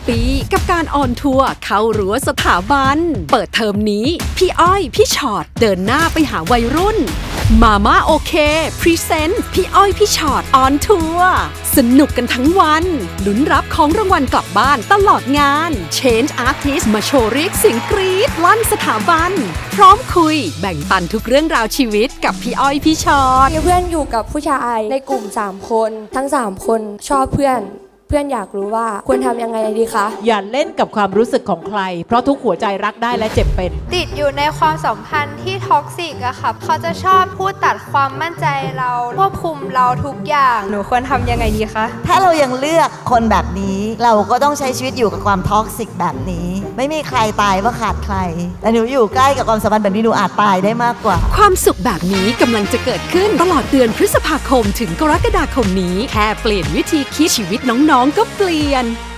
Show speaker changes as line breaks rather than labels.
ปีกับการออนทัวร์เข้ารั้วสถาบันเปิดเทอมนี้พี่อ้อยพี่ชอตเดินหน้าไปหาวัยรุ่นมาม่าโอเคพรีเซนต์พี่อ้อยพี่ชอตออนทัวร์สนุกกันทั้งวันลุ้นรับของรางวัลกลับบ้านตลอดงาน Change Artist มาโชว์เรียกเสียงกรี๊ดลั่นสถาบันพร้อมคุยแบ่งปันทุกเรื่องราวชีวิตกับพี่อ้อยพี่ชอต
มีเพื่อนอยู่กับผู้ชายในกลุ่ม3คนทั้ง3คนชอบเพื่อนอยากรู้ว่าควรทำยังไงดีคะ
อย่าเล่นกับความรู้สึกของใครเพราะทุกหัวใจรักได้และเจ็บเป็น
ติดอยู่ในความสัมพันธ์ที่ท็อกซิกอะค่ะเขาจะชอบพูดตัดความมั่นใจเราควบคุมเราทุกอย่างหนูควรทำยังไงดีคะ
ถ้าเรายังเลือกคนแบบนี้เราก็ต้องใช้ชีวิตอยู่กับความท็อกซิกแบบนี้ไม่มีใครตายว่าขาดใครแต่หนูอยู่ใกล้กับความสัมพันธ์แบบนี้หนูอาจตายได้มากกว่า
ความสุขแบบนี้กำลังจะเกิดขึ้นตลอดเดือนพฤษภาคมถึงกรกฎาคมนี้แค่เปลี่ยนวิธีคิดชีวิตน้องๆก็เปลี่ยน